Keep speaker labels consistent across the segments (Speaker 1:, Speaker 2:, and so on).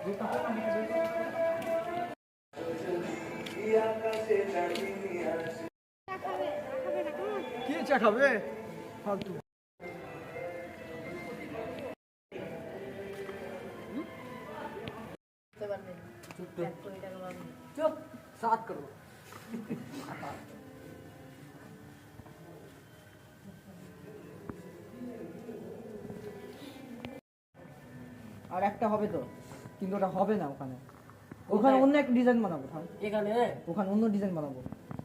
Speaker 1: কি চা খাবে ফালতু? চুপ সাত করো। আর একটা হবে তো, কিন্তু ওটা হবে না ওখানে। ওখানে অন্য একটা ডিজাইন বানাবো। এখানে ওখানে অন্য ডিজাইন বানাবো।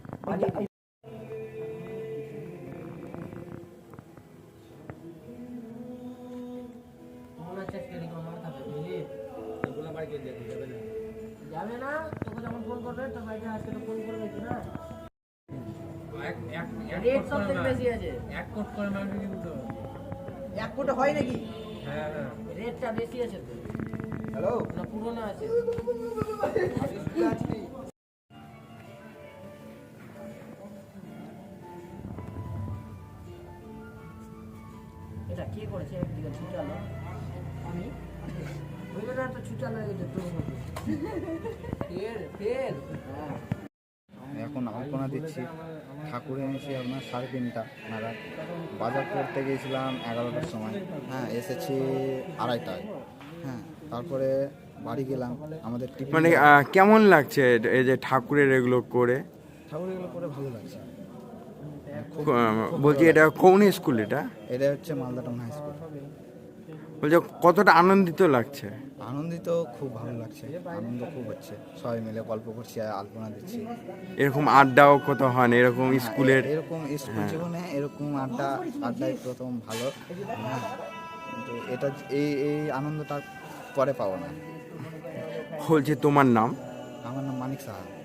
Speaker 1: যাবে না, তোকে যখন ফোন করবে তোর ভাইকে আজকে তো ফোন করবে না। রেট সব থেকে বেশি আছে। এক কোট করে মারবে কিন্তু। এক কোট হয় নাকি? হ্যাঁ হ্যাঁ, রেটটা বেশি আছে তো। হ্যালো, না পুরনো আছে। এটা কি করেছে? একদিকে ছুটালো, আমি ওইটা তো ছুটালো, এটা তো ফের হ্যাঁ।
Speaker 2: এখন আলপনা দিচ্ছি। ঠাকুর এনেছি আপনার 3:30 নাগাদ। বাজার করতে গিয়েছিলাম 11টার সময়, হ্যাঁ এসেছি 2:30টায়। হ্যাঁ, তারপরে বাড়ি গেলাম। আমাদের
Speaker 3: মানে কেমন লাগছে এই যে ঠাকুরের এগুলো করে?
Speaker 2: ঠাকুর এগুলো করে ভালো লাগছে।
Speaker 3: বলছি এটা কোন স্কুল? এটা
Speaker 2: এটা হচ্ছে মালদা টাউন হাই স্কুল।
Speaker 3: বলছি কতটা আনন্দিত লাগছে?
Speaker 2: আনন্দিত, খুব ভালো লাগছে, আনন্দ খুব হচ্ছে। সবাই মিলে গল্প করছি আর আলপনা দিচ্ছি।
Speaker 3: এরকম আড্ডাও কত হয় না এরকম স্কুলের?
Speaker 2: এরকম স্কুল জীবনে এরকম আড্ডায় প্রথম ভালো। হ্যাঁ, কিন্তু এটা এই আনন্দটা পরে পাবো না।
Speaker 3: বলছি তোমার নাম?
Speaker 2: আমার নাম মানিক সাহা।